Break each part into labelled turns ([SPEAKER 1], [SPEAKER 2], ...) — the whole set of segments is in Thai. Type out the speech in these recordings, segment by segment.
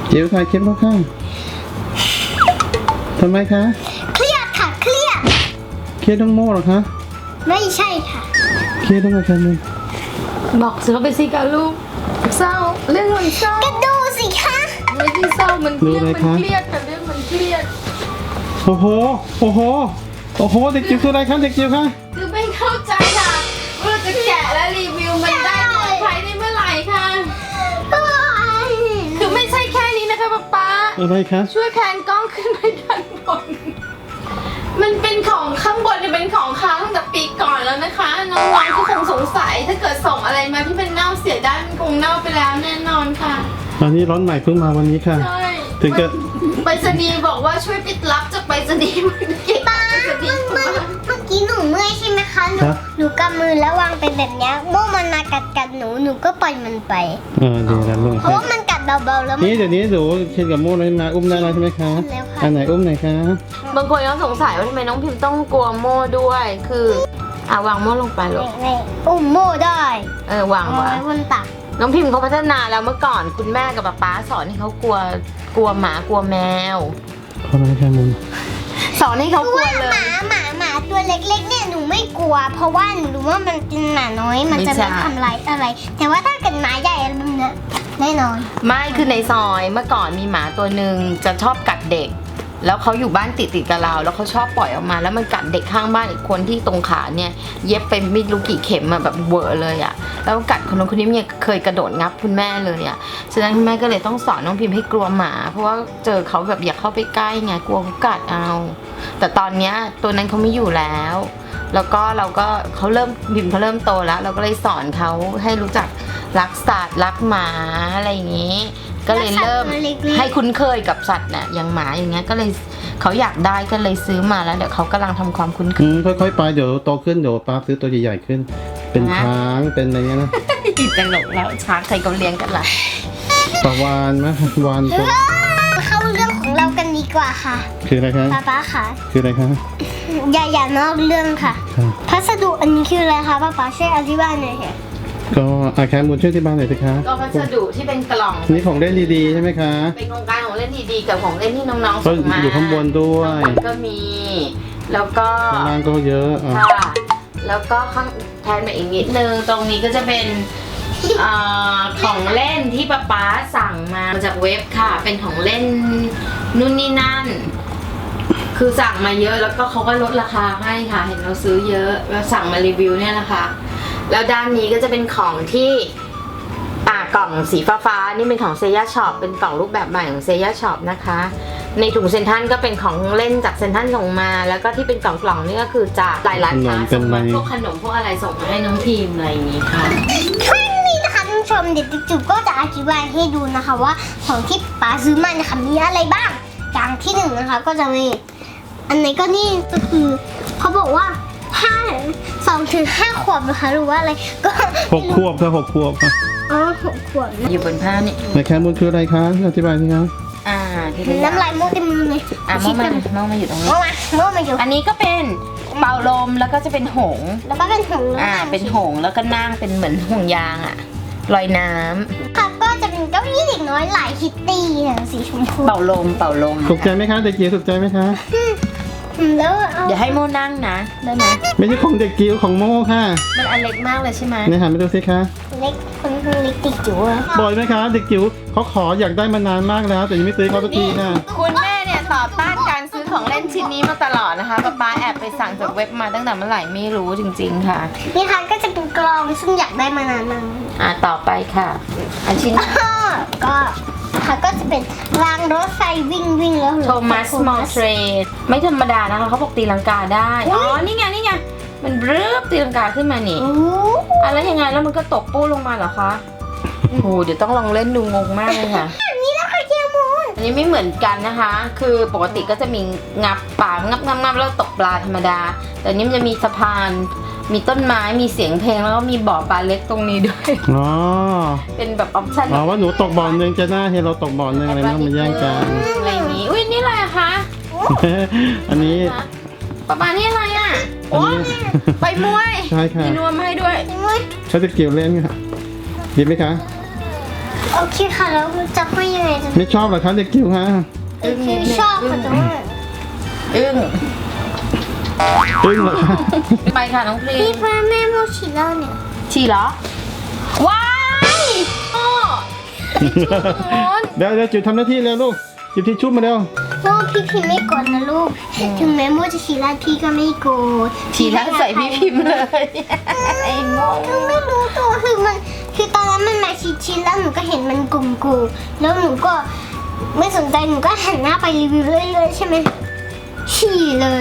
[SPEAKER 1] จิ๋วถ่ายคลิปแล้วค่ะทำไมคะ
[SPEAKER 2] เครียดค่ะเครียด
[SPEAKER 1] เครียดต้องโม่เหรอคะ
[SPEAKER 2] ไม่ใช่ค่ะ
[SPEAKER 1] เครียดต้องอะไรมึง
[SPEAKER 3] บอกเสือไปสิกับลูกเศร้าเรื่องมันเศร้า
[SPEAKER 2] ก็ดูสิคะ
[SPEAKER 3] ไม่ได้เศร้ามันเครียดมันเครียดค่ะเรื่องมันเครียด
[SPEAKER 1] โอ้โหโอ้โหโอ้โหเด็กจิ๋วคืออะไรคะเด็กจิ๋วคะ
[SPEAKER 3] คือไม่เข้าใจค่ะว่าจะแกะและรีวิวมันได้ปลอดภัยได้เมื่อไหร่ค่ะคือไม่ใช่แค่นี้นะคะป๊า
[SPEAKER 1] อะไรคะ
[SPEAKER 3] ช่วยแพนกล้องขึ้นไปด้านบนมันเป็นของข้างบนเนี่ยเป็นของค้างตั้งแต่ปีก่อนแล้วนะคะน้องๆก็คงสงสัยถ้าเกิดส่งอะไรมาที่เป็นเน่าเสียได้มันคงเน่าไปแล้วแน่นอนค่ะ
[SPEAKER 1] อันนี้ร้อนใหม่เพิ่งมาวันนี้ค่ะ
[SPEAKER 3] ใช่
[SPEAKER 1] ถึงจะ
[SPEAKER 3] ไปรษณีย์บอกว่าช่วยปิดรับจากไปรษณีย์มันเก็บ
[SPEAKER 2] ป้า
[SPEAKER 3] ไปรษณีย์
[SPEAKER 2] เมื่อกี้หนูเมื่อยใช่ไหมคะหนูกำมือแล้ววางไปแบบเนี้ยโม่มันมากัดหนูก็ปล่อยมันไป
[SPEAKER 1] ดีแล้วลูก
[SPEAKER 2] เพราะว่ามันกัดเบาๆแล้วมัน
[SPEAKER 1] นี่เดี๋ยวนี้หนูเคนกับโม่เลยมาอุ้มได้แล้วใช่ไหมคะ
[SPEAKER 2] แล้วค่ะ
[SPEAKER 1] อันไหนอุ้มไหนคะ
[SPEAKER 3] บางคนก็สงสัยว่าทำไมน้องพิมพ์ต้องกลัวโม่ด้วยคือวางโม่ลงไปลูก
[SPEAKER 2] ในอุ้มโม่ได้
[SPEAKER 3] วาง
[SPEAKER 2] เอา
[SPEAKER 3] ไว้
[SPEAKER 2] ไว้บนตัก
[SPEAKER 3] น้องพิมพ์เขาพัฒนาแล้วเมื่อก่อนคุณแม่กับป๊าสอนให้เขากลัวหมากลัวแมว
[SPEAKER 1] เพราะอะไรคะมึง
[SPEAKER 3] สอนให้เขา
[SPEAKER 2] คือก
[SPEAKER 3] ลัว
[SPEAKER 2] ว่า
[SPEAKER 3] เลย
[SPEAKER 2] หมาตัวเล็กๆเนี่ยหนูไม่กลัว เพราะว่าหนูรู้ว่ามันเป็นหมาน้อยมันจะ
[SPEAKER 3] ไม่
[SPEAKER 2] ไม่
[SPEAKER 3] ใช่
[SPEAKER 2] ทำร้ายอะไร แต่ว่าถ้าเกิดหมาใหญ่อะไรแบบเนี้ยแน่นอน
[SPEAKER 3] ไม่คือในซอยเมื่อก่อนมีหมาตัวหนึ่งจะชอบกัดเด็ก แล้วเขาอยู่บ้านติดกับเราแล้วเขาชอบปล่อยออกมา แล้วมันกัดเด็กข้างบ้านอีกคนที่ตรงขาเนี่ยเย็บไปไม่รู้กี่เข็มอะแบบเวอร์เลยอะแล้วกัดคนนู้นคนนี้เนี่ยเคยกระโดดงับคุณแม่เลยอะฉะนั้นคุณแม่ก็เลยต้องสอนน้องพิมพ์ให้กลัวหมา เพราะว่าเจอเขาแบบอยากเข้าไปใกล้ไงกลัวเขากัดเอา แต่ตอนเนี้ยตัวนั้นเขาไม่อยู่แล้ว แล้วก็เขาเริ่มพิมพ์เขาเริ่มโตแล้ว เราก็เลยสอนเขาให้รู้จักรักสัตว์รักหมาอะไรอย่างนี้ ก็เลยเริ่มให้คุ้นเคยกับสัตว์น่ะอย่างหมาอย่างเงี้ยก็เลยเขาอยากได้ก็เลยซื้อมาแล้วเดี๋ยวเขากำลังทำความคุ้นเคย
[SPEAKER 1] ค่อยๆไปเดี๋ยวโตขึ้นเดี๋ยวป้าซื้อตัวใหญ่ๆขึ้น เป็นช้างเป็นอะไรเงี้ยนะ
[SPEAKER 3] ตลกแล้วช้างใครก็เลี้ยงกันล่ะ
[SPEAKER 1] ปลาวานไหมวานตัว
[SPEAKER 2] เข้าเรื่องของเรากันดีกว่าค่ะ
[SPEAKER 1] คืออะไรคะ
[SPEAKER 2] ป๊าค่ะ
[SPEAKER 1] คืออะไรคะ
[SPEAKER 2] อย่านอกเรื่องค่ะ
[SPEAKER 1] ค่ะ
[SPEAKER 2] พัสดุอันนี้คืออะไรคะป๊าช่วยอธิบายหน่อยค่ะ
[SPEAKER 1] ก็แคมบุญช่วยที่บ้านหน่อยสิคะ
[SPEAKER 3] ก็พัสดุที่เป็นกล่อง
[SPEAKER 1] นี่ของเล่นดีๆใช่ไหมคะ
[SPEAKER 3] เป็นโครงการของเล่นดีๆกับของเล่นที่น้องๆ
[SPEAKER 1] ก็
[SPEAKER 3] ส่งมา
[SPEAKER 1] อยู่ข้างบนด้วย
[SPEAKER 3] ข้างบนก็มี แล้วก็
[SPEAKER 1] ข้างล่างก็เยอะอ่ะ
[SPEAKER 3] ค่ะแล้วก็ข้างแทนมาอีกนิดนึงตรงนี้ก็จะเป็นของเล่นที่ป๊าสั่งมาจากเว็บค่ะ เป็นของเล่นนู่นนี่นั่น คือสั่งมาเยอะแล้วก็เขาก็ลดราคาให้ค่ะ เห็นเราซื้อเยอะเราสั่งมารีวิวเนี่ยนะคะ แล้วด้านนี้ก็จะเป็นของที่กล่องสีฟ้าๆนี่เป็นของเซย่าช็อปเป็นกล่องรูปแบบใหม่ของเซย่าช็อปนะคะ ในถุงเซนทรัลก็เป็นของเล่นจากเซนทรัลส่งมา แล้วก็ที่เป็นกล่องๆนี่ก็คือจากหลายร้านค้าส่งมาพวกขนมพวกอะไรส่งมาให้น้องพิมพ์อะไรอย่างนี้ค่ะ
[SPEAKER 2] แค่นี้นะคะท่านผู้ชมเดี๋ยวจุ๊บก็จะอธิบายให้ดูนะคะว่าของที่ป๊าซื้อมานะคะมีอะไรบ้าง อย่างที่หนึ่งนะคะก็จะมีอันไหนก็นี่ก็คือเขาบอกว่า2 ถึง 5 ขวบนะคะหรือว่าอะไรก็
[SPEAKER 1] 6 ขวบค่ะ6 ขวบค่ะ
[SPEAKER 2] 6 ขวบนะ
[SPEAKER 3] อยู่บนผ้านี่
[SPEAKER 1] ในแคมบุญคืออะไรคะอธิบายสิคะ
[SPEAKER 3] ที่เป็น
[SPEAKER 2] น้ำลายโม่เต็มมือเลย
[SPEAKER 3] โม่มาอยู่ตรงนี้
[SPEAKER 2] โม่มาอยู่
[SPEAKER 3] อันนี้ก็เป็นเป่าลมแล้วก็จะเป็นหงส์
[SPEAKER 2] แล้วก็เป็นถุงแล้ว
[SPEAKER 3] เป็นหงส์แล้วก็นั่งเป็นเหมือนห่วงยางอะลอยน้ำ
[SPEAKER 2] ค่ะก็จะเป็นเก้าอี้เด็กน้อยลายคิตตี้สีชมพู
[SPEAKER 3] เป่าลม
[SPEAKER 1] ถูกใจไหมคะเด็กจิ๋วถูกใจไหมคะ
[SPEAKER 2] แล้วเอา
[SPEAKER 3] เดี๋ยวให้โม่นั่งนะได้ไหม
[SPEAKER 1] ไม่ใช่ของเด็กจิ๋วของโม่ค่ะ
[SPEAKER 3] มันอันเล็กมากเลยใช่ไหม
[SPEAKER 1] เนี่ยหันไปดูสิคะ
[SPEAKER 2] เล็กคนเล็กติดจิ๋วอะ
[SPEAKER 1] บ่อยไหมคะเด็กจิ๋วเขาขออยากได้มานานมากแล้ว แต่ยังไม่ซื้อเขาสักทีค่ะ
[SPEAKER 3] คุณแม่เนี่ยต่อต้านการซื้อของเล่นชิ้นนี้มาตลอดนะคะป๊าแอบไปสั่งจากเว็บมาตั้งแต่เมื่อไหร่ไม่รู้จริงๆค่ะ
[SPEAKER 2] นี่ค่ะก็จะเป็นกลองซึ่งอยากได้มานานมาก
[SPEAKER 3] ต่อไปค่ะ อันชิ้น
[SPEAKER 2] ก็ค่ะก็จะเป็นรางรถไฟวิ่งแล้ว
[SPEAKER 3] โทมัสมอลเทรดไม่ธรรมดานะคะเขาบอกตีลังกาได้นี่ไงมันเรือบตีลังกาขึ้นมานี่
[SPEAKER 2] โอ้
[SPEAKER 3] แล้วยังไงแล้วมันก็ตกปู้ลงมาเหรอคะโอ้โหเดี๋ยวต้องลองเล่นดูงงมากเลยค่ะ
[SPEAKER 2] นี่นะคะเกียร์มูน
[SPEAKER 3] อันนี้ไม่เหมือนกันนะคะ คือปกติก็จะมีงับปลางับแล้วตกปลาธรรมดา แต่อันนี้มันจะมีสะพาน มีต้นไม้ มีเสียงเพลง แล้วก็มีบ่อปลาเล็กตรงนี้ด้วย
[SPEAKER 1] อ๋อ
[SPEAKER 3] เป็นแบบออปชั่น
[SPEAKER 1] ว่าหนูตกบ่อนึงจะหน้าเห็นเราตกบ่อนึงอะไรไม่ต้องมาแย่งกัน
[SPEAKER 3] อะไรอย่างนี้ อุ้ยนี่อะไรอะคะ
[SPEAKER 1] อันนี้
[SPEAKER 3] ปลานี่อะไรอะ
[SPEAKER 1] อัน
[SPEAKER 3] โอ้
[SPEAKER 1] นี้
[SPEAKER 3] ไปมวย
[SPEAKER 1] ใช่ค่ะ
[SPEAKER 3] มีนวมให้ด้วย
[SPEAKER 1] เขาจะเกี่ยวเล่นค่ะดีไหมคะ
[SPEAKER 2] โอเคค่ะแล้วจะให้ยังไงจะ
[SPEAKER 1] ไม่ชอบเหรอคะเด็กจิ๋วฮะ
[SPEAKER 2] คือชอบค่ะแต่ว่า
[SPEAKER 3] อึ้ง
[SPEAKER 1] อึ้งเหรอคะ
[SPEAKER 3] ไปค่ะน้องพรี
[SPEAKER 2] พี่พ่อแม่โมชิเล่าเนี่ย
[SPEAKER 3] ฉี่เหรอว้ายพ่อ
[SPEAKER 1] เดี๋ยวจิ๋วทำหน้าที่เร็วลูกหยิบทิชชู่มาเร็ว
[SPEAKER 2] โมพี่พิมพ์ไม่กดนะลูกถึงแม้โมจะฉี่ราดพี่ก็ไม่โกรธ
[SPEAKER 3] ฉี่แล้วใส่พี่พิมพ์เลยไอ้โม
[SPEAKER 2] คือไม่รู้ตัวคือตอนนั้นมันมาชิดๆแล้วหนูก็เห็นมันกลุ่มๆแล้วหนูก็ไม่สนใจหนูก็หันหน้าไปรีวิวเรื่อยๆใช่ไหมฉี่เลย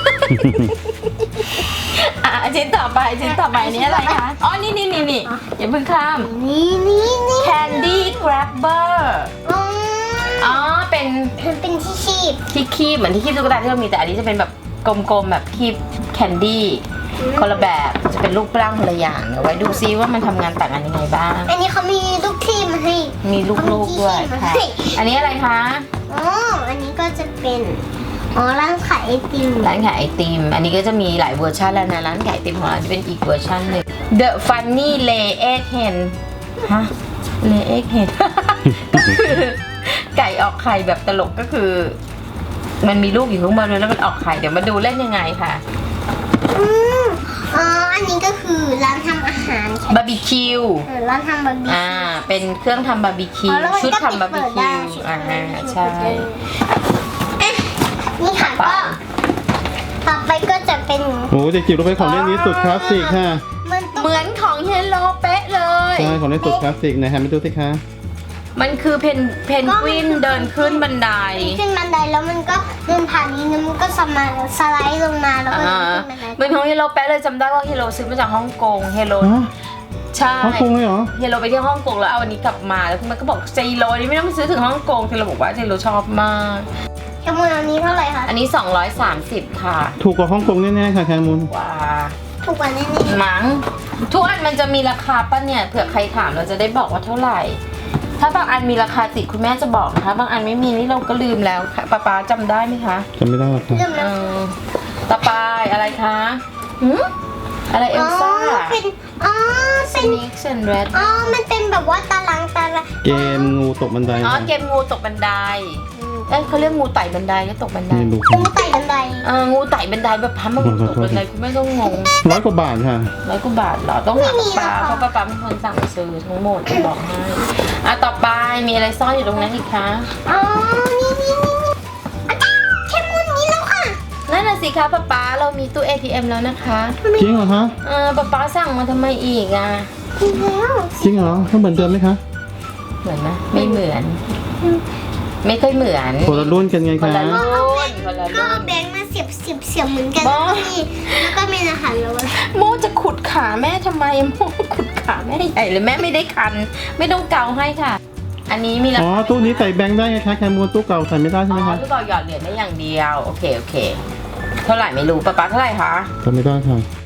[SPEAKER 3] ชิ้นต่อไปนี่อะไรคะอ๋อนี่อย่าเพิ่งข้าม
[SPEAKER 2] นี่
[SPEAKER 3] Candy Grabber อ๋อเป็น
[SPEAKER 2] มันเป็นที่ชีพ
[SPEAKER 3] ที่คีบเหมือนที่คีบตุ๊กตาที่เรามีแต่อันนี้จะเป็นแบบกลมๆแบบคีบแคนดี้คนละแบบจะเป็นรูปร่างคนละอย่างเดี๋ยวไว้ดูซิว่ามันทำงานต่างกันยังไงบ้าง
[SPEAKER 2] อันนี้เขามีลูกทีมมาให้
[SPEAKER 3] มีลูกๆด้วยค่ะ อันนี้อะไรคะ
[SPEAKER 2] อ๋ออันนี้ก็จะเป็นร้านขายไอติม
[SPEAKER 3] ร้านขายไอติม อันนี้ก็จะมีหลายเวอร์ชันแล้วนะร้านขายไอติมของเราจะเป็นอีกเวอร์ชันหนึ่ง The Funny Lay Egg Hen ฮะ Lay Egg Hen ก็คือไก่ออกไข่แบบตลกก็คือ มันมีลูกอยู่ข้างบนแล้วมันออกไข่เดี๋ยวมาดูเล่นยังไงค่ะ
[SPEAKER 2] อันนี้ก็คือร้านทำอาหาร
[SPEAKER 3] บาร์บีคิว
[SPEAKER 2] ร้านทำบาร์บีคิว
[SPEAKER 3] เป็นเครื่องทำบาร์บีคิว
[SPEAKER 2] แล้วมัน
[SPEAKER 3] ชุด
[SPEAKER 2] ก็
[SPEAKER 3] ทำบาร์บีคิว
[SPEAKER 2] ปิดเปิดได้
[SPEAKER 3] ใช่
[SPEAKER 2] นี่ค่ะก็ต่อไปก็จะเป็น
[SPEAKER 1] โอ้เด็กจิ๋วรู้ไหมของเล่นนี้สุดคลาสสิกค่ะ
[SPEAKER 2] มันต้อง
[SPEAKER 3] เหมือนของเฮลโลเป๊ะเลย
[SPEAKER 1] ใช่ของเล่นสุดคลาสสิกไหนหันไปดูสิคะ
[SPEAKER 3] มันคือเพนกวินเดินขึ้นบันได
[SPEAKER 2] ขึ้นบันไดแล้วมันก็เดินผ่านนี้แล้วมันก็สไลด์ลงมาแล้วก็เดินขึ้นบันได
[SPEAKER 3] เหมือนของเฮโลแป๊ะเลยจำได้ว่าเฮโลซื้อมาจากฮ่องกงเฮโล
[SPEAKER 1] ฮะ
[SPEAKER 3] ใช่
[SPEAKER 1] ฮ่องกงเลยเหรอ
[SPEAKER 3] เฮโลไปที่ฮ่องกงแล้วเอาอันนี้กลับมาแล้วมันก็บอกเจโลนี่ไม่ต้องไปซื้อถึงฮ่องกงเฮโลบอกว่าเจโลชอบมาก
[SPEAKER 2] จมูกอันนี้เท่าไหร่คะ
[SPEAKER 3] อันนี้ 230 ค่ะ
[SPEAKER 1] ถูกกว่าฮ่องกงแน่ๆค่ะแคมูล
[SPEAKER 3] ว้า
[SPEAKER 2] ถูกกว่าแน่
[SPEAKER 3] มั้งทุกอันมันจะมีราคาป่ะเนี่ยเผื่อใครถามเราจะได้บอกว่าเท่าไหร่ ถ้าบางอันมีราคาติดคุณแม่จะบอกนะคะบางอันไม่มีนี่เราก็ลืมแล้วค่ะป๊าจำได้ไหมคะ
[SPEAKER 1] จำไม่ได้หรอกค่ะ
[SPEAKER 2] ๆเริ่ม
[SPEAKER 3] เอ
[SPEAKER 2] แล้ว
[SPEAKER 3] อต่อไปอะไรคะหืมอะไรเอลซ่า
[SPEAKER 2] เป็นเป็น
[SPEAKER 3] Snakes and Red
[SPEAKER 2] มันเป็นแบบว่าตาราง
[SPEAKER 1] เกมงูตกบันได
[SPEAKER 3] อ๋อ
[SPEAKER 1] ค่ะ
[SPEAKER 3] เกมงูตกบันไดเอ้ยเขาเรียกงูไต่บันไดหรือตกบันได
[SPEAKER 1] ไม่รู้
[SPEAKER 2] งูไต่บันได
[SPEAKER 3] งูไต่บันไดแบบพับมางูตกบันไดคุณแม่ก็งง
[SPEAKER 1] 100 กว่าบาทค่ะ
[SPEAKER 3] 100 กว่าบาทเหรอต้องถามป๊าเพราะป๊าเป็นคนสั่งซื้อทั้งหมดจะบอกให้ต่อไปมีอะไรซ่อนอยู่ตรงนั้นอีกคะ
[SPEAKER 2] นี่อาจารย์แค่มุนนี้แล้วค่ะ
[SPEAKER 3] นั่นน่ะสิคะป๊าเรามีตู้ ATM แล้วนะคะ
[SPEAKER 1] จริงเหรอคะ
[SPEAKER 3] ป๊าสั่งมาทำไมอีกอ่ะ
[SPEAKER 2] ดีแล้ว
[SPEAKER 1] จริงเหรอเขาเหมือนเดิมไหมคะ
[SPEAKER 3] เหมือนไหมไม่เหมือน ไม่ค่อยเหมือน
[SPEAKER 1] คนละรุ่นกันไง
[SPEAKER 3] คน
[SPEAKER 1] คะ
[SPEAKER 3] ละรุ่น
[SPEAKER 2] ก็เอาแบงค์มาเสียบเหมือนกัน
[SPEAKER 3] บ้า
[SPEAKER 2] นี่แล้วก็มีอาหารแล้ว
[SPEAKER 3] โมจะขุดขาแม่ทำไมโมขุดขาแม่ใหญ่เลยแม่ไม่ได้คัน ไม่ต้องเกาให้ค่ะ อันนี้มีรา
[SPEAKER 1] อ๋อ
[SPEAKER 3] คา
[SPEAKER 1] ตู้นี้ใส่แบงค์ได้ไงคะแคมูลตู้เก่าใส่ไม่ได้ใช่ไหมคะ
[SPEAKER 3] ลูกบอลหยอดเหรียญได้อย่างเดียวโอเคเท่าไหร่ไม่รู้ป๊าเท่าไหร่คะ
[SPEAKER 1] จำไม่ได้ค่ะ